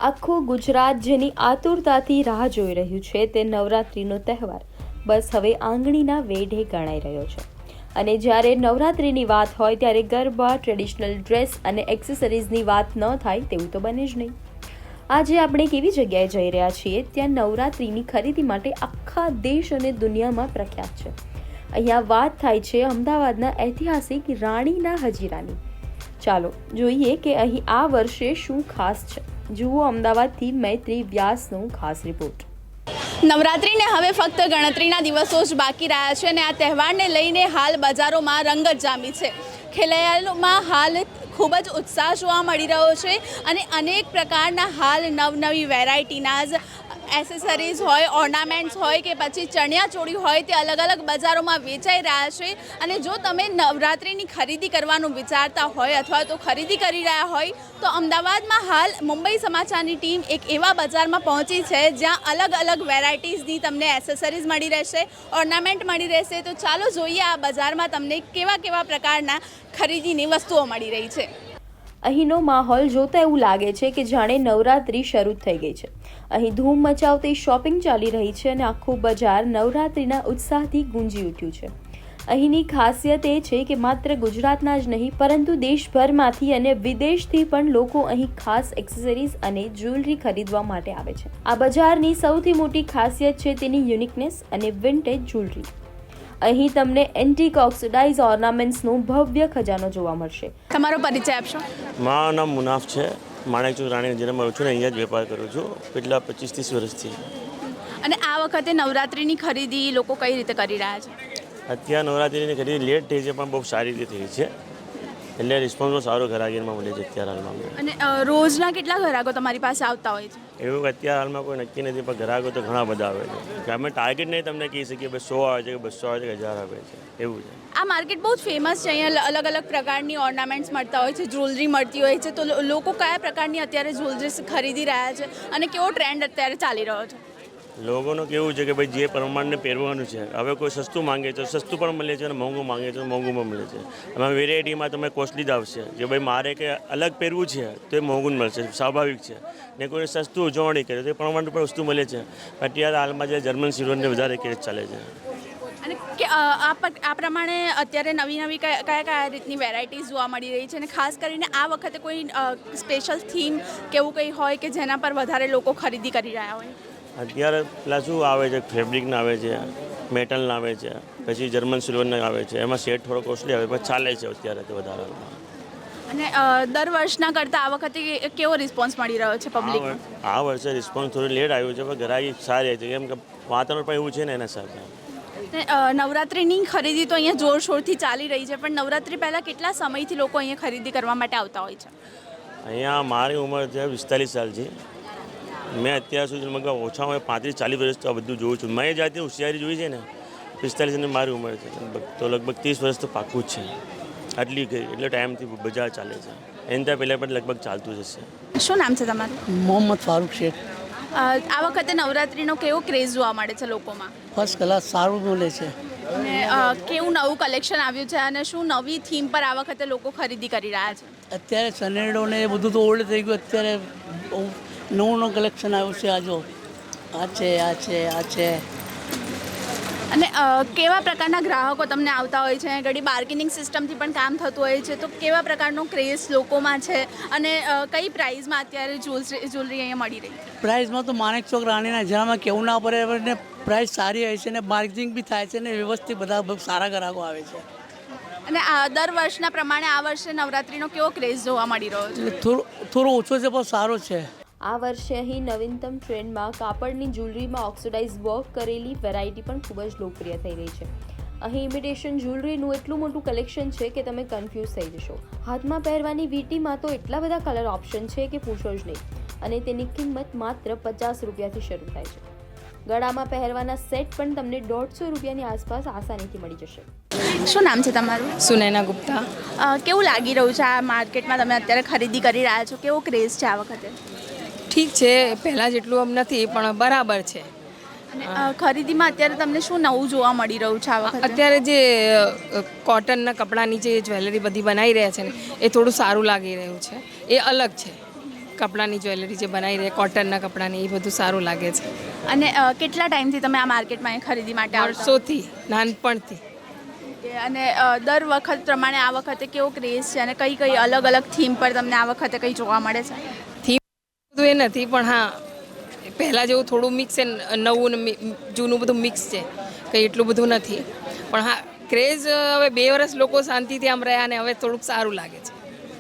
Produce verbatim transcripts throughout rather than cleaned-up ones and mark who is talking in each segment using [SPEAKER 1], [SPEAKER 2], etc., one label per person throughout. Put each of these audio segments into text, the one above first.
[SPEAKER 1] આખું ગુજરાત જેની આતુરતાથી રાહ જોઈ રહ્યું છે તે નવરાત્રિનો તહેવાર બસ હવે આંગળીના વેઢે ગણાઈ રહ્યો છે. અને જ્યારે નવરાત્રિની વાત હોય ત્યારે ગરબા, ટ્રેડિશનલ ડ્રેસ અને એક્સેસરીઝની વાત ન થાય તેવું તો બને જ નહીં. આજે આપણે કેવી જગ્યાએ જઈ રહ્યા છીએ ત્યાં નવરાત્રિની ખરીદી માટે આખા દેશ અને દુનિયામાં પ્રખ્યાત છે. અહીંયા વાત થાય છે અમદાવાદના ઐતિહાસિક રાણીના હજીરાની. ચાલો જોઈએ કે અહીં આ વર્ષે શું ખાસ છે. જુઓ અમદાવાદથી મૈત્રી વ્યાસનો ખાસ રિપોર્ટ.
[SPEAKER 2] નવરાત્રિને હવે ફક્ત ગણતરીના દિવસો જ બાકી રહ્યા છે અને આ તહેવારને લઈને હાલ બજારોમાં રંગત જામી છે. ખેલૈયાઓમાં હાલ ખૂબ જ ઉત્સાહ જોવા મળી રહ્યો છે અને અનેક પ્રકારના હાલ નવનવી વેરાયટીના જ એસેસરીઝ હોય, ઓર્નામેન્ટ્સ હોય કે પછી ચણિયાચોળી હોય તે અલગ અલગ બજારોમાં વેચાઈ રહ્યા છે. અને જો તમે નવરાત્રિની ખરીદી કરવાનું વિચારતા હોય અથવા તો ખરીદી કરી રહ્યા હોય તો અમદાવાદમાં હાલ મુંબઈ સમાચારની ટીમ એક એવા બજારમાં પહોંચી છે જ્યાં અલગ અલગ વેરાયટીઝની તમને એસેસરીઝ મળી રહેશે, ઓર્નામેન્ટ મળી રહેશે. તો ચાલો જોઈએ આ બજારમાં તમને કેવા કેવા પ્રકારના ખરીદીની વસ્તુઓ મળી રહી છે.
[SPEAKER 1] અહીંનો માહોલ જોતા એવું લાગે છે કે જાણે નવરાત્રિ શરૂ થઈ ગઈ છે. અહીં ધૂમ મચાવતી શોપિંગ ચાલી રહી છે અને આખું બજાર નવરાત્રિના ઉત્સાહથી ગુંજી ઉઠ્યું છે. અહીંની ખાસિયત એ છે કે માત્ર ગુજરાતના જ નહીં પરંતુ દેશભરમાંથી અને વિદેશથી પણ લોકો અહીં ખાસ એક્સેસરીઝ અને જ્વેલરી ખરીદવા માટે આવે છે. આ બજારની સૌથી મોટી ખાસિયત છે તેની યુનિકનેસ અને વિન્ટેજ જ્વેલરી. અહીં તમને એન્ટિક ઓક્સિડાઇઝ ઓર્નામેન્ટ્સનો ભવ્ય ખજાનો જોવા મળશે.
[SPEAKER 2] તમારો પરિચય આપશો?
[SPEAKER 3] મારું નામ મુનાફ છે. માણેકચોક રાણી હજીરામાં રહું છું ને અહીંયા જ વેપાર કરું છું કેટલા પચીસ ત્રીસ વર્ષથી.
[SPEAKER 2] અને આ વખતે નવરાત્રિની ખરીદી લોકો કઈ રીતે કરી રહ્યા છે?
[SPEAKER 3] અત્યારે નવરાત્રિની ખરીદી લેટ થઈ છે પણ બહુ સારી રીતે થઈ છે, એટલે રિસ્પોન્સ સારો ગ્રાહકીમાં મળે છે અત્યારે હાલમાં.
[SPEAKER 2] અને રોજના કેટલા ગ્રાહકો તમારી પાસે આવતા હોય છે?
[SPEAKER 3] એવું અત્યારે હાલમાં કોઈ નક્કી નથી પણ ગ્રાહકો તો ઘણા બધા આવે છે કે અમે ટાર્ગેટ નહીં તમને કહી શકીએ બસ સો આવે છે કે બસો આવે છે કે હજાર આવે છે એવું છે.
[SPEAKER 2] આ માર્કેટ બહુ જ ફેમસ છે. અહીંયા અલગ અલગ પ્રકારની ઓર્નામેન્ટ્સ મળતા હોય છે, જ્વેલરી મળતી હોય છે. તો લોકો કયા પ્રકારની અત્યારે જ્વેલરી ખરીદી રહ્યા છે અને કેવો ટ્રેન્ડ અત્યારે ચાલી રહ્યો છે?
[SPEAKER 3] લોકોનું કેવું છે કે ભાઈ જે પ્રમાણને પહેરવાનું છે, હવે કોઈ સસ્તું માંગે છે સસ્તું પણ મળે છે અને મોંઘું માંગે છે મોંઘું પણ મળે છે. એમાં વેરાયટીમાં તમે કોસ્ટલી જ આવશે કે ભાઈ મારે કે અલગ પહેરવું છે તો એ મોંઘું મળશે, સ્વાભાવિક છે. ને કોઈ સસ્તું ઉજવણી કરે તો એ પ્રમાણે પણ વસ્તુ મળે છે. અત્યારે હાલમાં જે જર્મન સિલ્વરને વધારે કેસ ચાલે છે.
[SPEAKER 2] અને કે આ પ્રમાણે અત્યારે નવી નવી કયા કયા રીતની વેરાયટીઝ જોવા મળી રહી છે અને ખાસ કરીને આ વખતે કોઈ સ્પેશિયલ થીમ કેવું કંઈ હોય કે જેના પર વધારે લોકો ખરીદી કરી રહ્યા હોય?
[SPEAKER 3] અત્યારે પેલા શું આવે છે, ફેબ્રિકના આવે છે, મેટલના આવે છે, પછી જર્મન સિલ્વરના આવે છે. એમાં સેટ થોડો કોસ્ટલી આવે પણ ચાલે છે અત્યારે તો વધારે.
[SPEAKER 2] અને દર વર્ષના કરતાં આ વખતે કેવો રિસ્પોન્સ મળી રહ્યો છે પબ્લિક?
[SPEAKER 3] આ વર્ષે રિસ્પોન્સ થોડું લેટ આવ્યું છે પણ ગ્રાહકી સારી હતી કેમ કે વાતાવરણ પણ એવું છે ને એના સાથે.
[SPEAKER 2] નવરાત્રિની ખરીદી તો અહીંયા જોરશોરથી ચાલી રહી છે પણ નવરાત્રિ પહેલાં કેટલા સમયથી લોકો અહીંયા ખરીદી કરવા માટે આવતા હોય છે?
[SPEAKER 3] અહીંયા મારી ઉંમર છે પિસ્તાલીસ સાલ છે. મેં અત્યાર સુધી મતલબ ઓછામાં પાંત્રીસ ચાલીસ વર્ષ તો આ બધું જોઉં છું. મેં જાતે હોશિયારી જોઈ છે ને પિસ્તાલીસની મારી ઉંમર છે તો લગભગ ત્રીસ વર્ષ તો પાક્કું જ છે. આટલી ગઈ એટલે ટાઈમથી બજાર ચાલે છે. એની ત્યાં પહેલાં પણ લગભગ ચાલતું જ હશે.
[SPEAKER 2] શું નામ છે તમારું?
[SPEAKER 4] મોહમ્મદ ફારૂક શેખ.
[SPEAKER 2] આ વખતે નવરાત્રિનો કેવો ક્રેઝ જોવા મળે છે લોકોમાં?
[SPEAKER 4] ફર્સ્ટ ક્લાસ સારું મળે છે.
[SPEAKER 2] અને કેવું નવું કલેક્શન આવ્યું છે અને શું નવી થીમ પર આ વખતે લોકો ખરીદી કરી રહ્યા છે?
[SPEAKER 4] અત્યારે સનેડો ને એ બધું તો ઓલ્ડ થઈ ગયું. અત્યારે નવું નવું કલેક્શન આવ્યું છે. આ જો આ છે આ છે આ છે.
[SPEAKER 2] અને કેવા પ્રકારના ગ્રાહકો તમને આવતા હોય છે? ઘણી બાર્ગેનિંગ સિસ્ટમથી પણ કામ થતું હોય છે. તો કેવા પ્રકારનો ક્રેઝ લોકોમાં છે અને કઈ પ્રાઇઝમાં અત્યારે જ્વેલરી અહીંયા મળી રહી?
[SPEAKER 4] પ્રાઇઝમાં તો માણેકચોક રાણીના હજીરામાં કેવું ના પડે ને પ્રાઇસ સારી હોય છે ને માર્કેટિંગ બી થાય છે ને વ્યવસ્થિત બધા બહુ સારા ગ્રાહકો આવે છે.
[SPEAKER 2] અને આ દર વર્ષના પ્રમાણે આ વર્ષે નવરાત્રિનો કેવો ક્રેઝ જોવા મળી રહ્યો છે?
[SPEAKER 4] થોડો થોડો ઓછો છે પણ સારો છે.
[SPEAKER 1] આ વર્ષે અહીં નવીનતમ ટ્રેન્ડમાં કાપડની જ્વેલરીમાં ઓક્સિડાઇઝ વર્ક કરેલી વેરાયટી પણ ખૂબ જ લોકપ્રિય થઈ રહી છે. અહીં ઇમિટેશન જ્વેલરીનું એટલું મોટું કલેક્શન છે કે તમે કન્ફ્યુઝ થઈ જશો. હાથમાં પહેરવાની વીંટીમાં તો એટલા બધા કલર ઓપ્શન છે કે પૂછો જ નહીં. અને તેની કિંમત માત્ર પચાસ રૂપિયાથી શરૂ થાય છે. ગળામાં પહેરવાના સેટ પણ તમને દોઢસો રૂપિયાની આસપાસ આસાનીથી મળી જશે.
[SPEAKER 2] શું નામ છે તમારું?
[SPEAKER 5] સુનૈના ગુપ્તા.
[SPEAKER 2] કેવું લાગી રહ્યું છે આ માર્કેટમાં તમે અત્યારે ખરીદી કરી રહ્યા છો? કેવો ક્રેઝ છે આ વખતે?
[SPEAKER 5] ઠીક છે, પહેલાં જેટલું આમ નથી પણ બરાબર છે.
[SPEAKER 2] અને ખરીદીમાં અત્યારે તમને શું નવું જોવા મળી રહ્યું છે આ વખતે?
[SPEAKER 5] અત્યારે જે કોટનના કપડાની જે જ્વેલરી બધી બનાવી રહ્યા છે ને એ થોડું સારું લાગી રહ્યું છે. એ અલગ છે. કપડાની જ્વેલરી જે બનાવી રહે કોટનના કપડાની એ બધું સારું લાગે છે.
[SPEAKER 2] અને અ, કેટલા ટાઈમથી તમે આ માર્કેટમાં અહીં ખરીદી માટે આવશો?
[SPEAKER 5] વર્ષોથી નાનપણથી.
[SPEAKER 2] અને અ, દર વખત પ્રમાણે આ વખતે કેવો ક્રેઝ છે અને કઈ કઈ અલગ અલગ થીમ પર તમને આ વખતે કંઈ જોવા મળે છે?
[SPEAKER 5] થીમ બધું એ નથી પણ હા પહેલાં જેવું થોડું મિક્સ છે નવું ને મિ- જૂનું બધું મિક્સ છે કંઈ એટલું બધું નથી પણ હા ક્રેઝ હવે બે વર્ષ લોકો શાંતિથી આમ રહ્યા અને હવે થોડુંક સારું લાગે છે.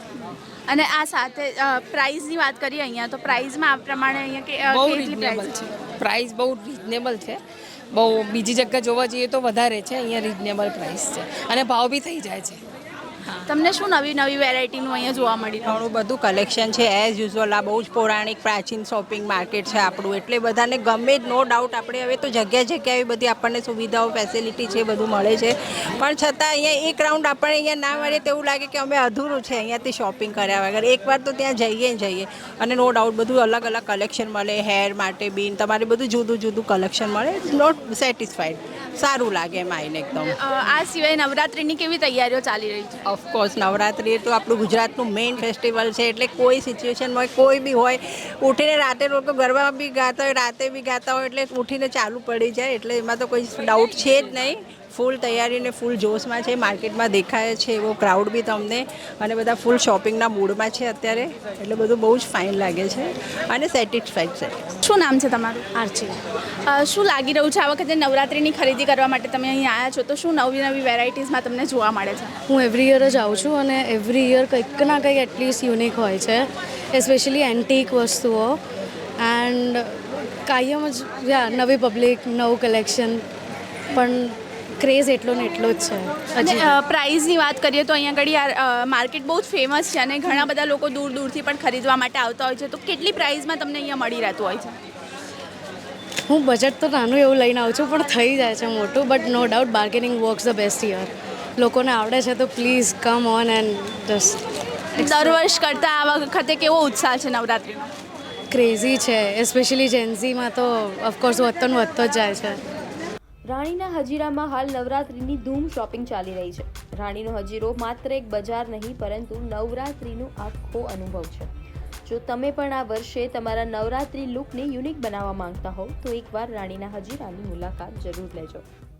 [SPEAKER 2] અને આ સાથે પ્રાઇઝની વાત કરીએ અહીંયા તો પ્રાઇઝમાં આ પ્રમાણે અહીંયા કે અ,
[SPEAKER 5] બહુ
[SPEAKER 2] કેટલી
[SPEAKER 5] રિઝનેબલ
[SPEAKER 2] price
[SPEAKER 5] છે પ્રાઇસ બહુ રિઝનેબલ છે બહુ બીજી જગ્યા જોવા જઈએ તો વધારે છે અહીંયા રિઝનેબલ પ્રાઇસ છે અને ભાવ બી થઈ જાય છે.
[SPEAKER 2] તમને શું નવી નવી વેરાયટીનું અહીંયા જોવા મળી રહ્યું?
[SPEAKER 6] ઘણું બધું કલેક્શન છે એઝ યુઝ્યુઅલ આ બહુ જ પૌરાણિક પ્રાચીન શોપિંગ માર્કેટ છે આપણું એટલે બધાને ગમે જ નો ડાઉટ આપણે હવે તો જગ્યા જગ્યાએ બધી આપણને સુવિધાઓ ફેસિલિટી છે બધું મળે છે પણ છતાં અહીંયા એક રાઉન્ડ આપણને અહીંયા ના મળે તેવું લાગે કે અમે અધૂરું છે અહીંયાથી શોપિંગ કર્યા વગર એકવાર તો ત્યાં જઈએ ને જઈએ અને નો ડાઉટ બધું અલગ અલગ કલેક્શન મળે હેર માટે બીન તમારે બધું જુદું જુદું કલેક્શન મળે નોટ સેટિસ્ફાઈડ સારું લાગે એમ આવીને એકદમ.
[SPEAKER 2] અ, આ સિવાય નવરાત્રિની કેવી તૈયારીઓ ચાલી રહી છે?
[SPEAKER 6] ઓફકોર્સ નવરાત્રિ તો આપણું ગુજરાતનું મેઇન ફેસ્ટિવલ છે એટલે કોઈ સિચ્યુએશન હોય કોઈ બી હોય ઉઠીને રાતે લોકો ગરબા બી ગાતા હોય રાતે બી ગાતા હોય એટલે ઉઠીને ચાલુ પડી જાય એટલે એમાં તો કોઈ ડાઉટ છે જ નહીં. ફૂલ તૈયારી ને ફૂલ જોશમાં છે માર્કેટમાં દેખાય છે એવો ક્રાઉડ બી તમને અને બધા ફૂલ શોપિંગના મૂડમાં છે અત્યારે એટલે બધું બહુ જ ફાઇન લાગે છે અને સેટિસ્ફાઈડ છે.
[SPEAKER 2] શું નામ છે તમારું?
[SPEAKER 7] આરતી.
[SPEAKER 2] અ, શું લાગી રહ્યું છે આ વખતે નવરાત્રિની ખરીદી કરવા માટે તમે અહીં આવ્યા છો તો શું નવી નવી વેરાયટીઝમાં તમને જોવા મળે છે?
[SPEAKER 7] હું એવરી યર જ આવું છું અને એવરી યર કંઈક ના કંઈક એટલીસ્ટ યુનિક હોય છે એસ્પેશિયલી એન્ટિક વસ્તુઓ એન્ડ કાયમ જ યા નવી પબ્લિક નવું કલેક્શન પણ ક્રેઝ એટલો ને એટલો જ છે.
[SPEAKER 2] અને
[SPEAKER 7] હજી
[SPEAKER 2] અ, પ્રાઇઝની વાત કરીએ તો અહીંયા આગળ આ માર્કેટ બહુ જ ફેમસ છે અને ઘણા બધા લોકો દૂર દૂરથી પણ ખરીદવા માટે આવતા હોય છે તો કેટલી પ્રાઇઝમાં તમને અહીંયા મળી રહેતું હોય છે?
[SPEAKER 7] હું બજેટ તો નાનું એવું લઈને આવું છું પણ થઈ જાય છે મોટું but no doubt bargaining works the best યર. લોકોને આવડે છે તો please come on and just
[SPEAKER 2] દર વર્ષ કરતાં આ વખતે કેવો ઉત્સાહ છે નવરાત્રિનો?
[SPEAKER 7] ક્રેઝી છે એસ્પેશિયલી જેન્ઝીમાં તો ઓફકોર્સ વધતો ને વધતો જ જાય છે.
[SPEAKER 1] રાણીના હજીરામાં હાલ નવરાત્રિની ધૂમ શોપિંગ ચાલી રહી છે. રાણીનો હજીરો માત્ર એક બજાર નહીં પરંતુ નવરાત્રિનો આખો અનુભવ છે. જો તમે પણ આ વર્ષે તમારા નવરાત્રિ લુકને યુનિક બનાવવા માંગતા હો તો એકવાર રાણીના હજીરાની મુલાકાત જરૂર લેજો.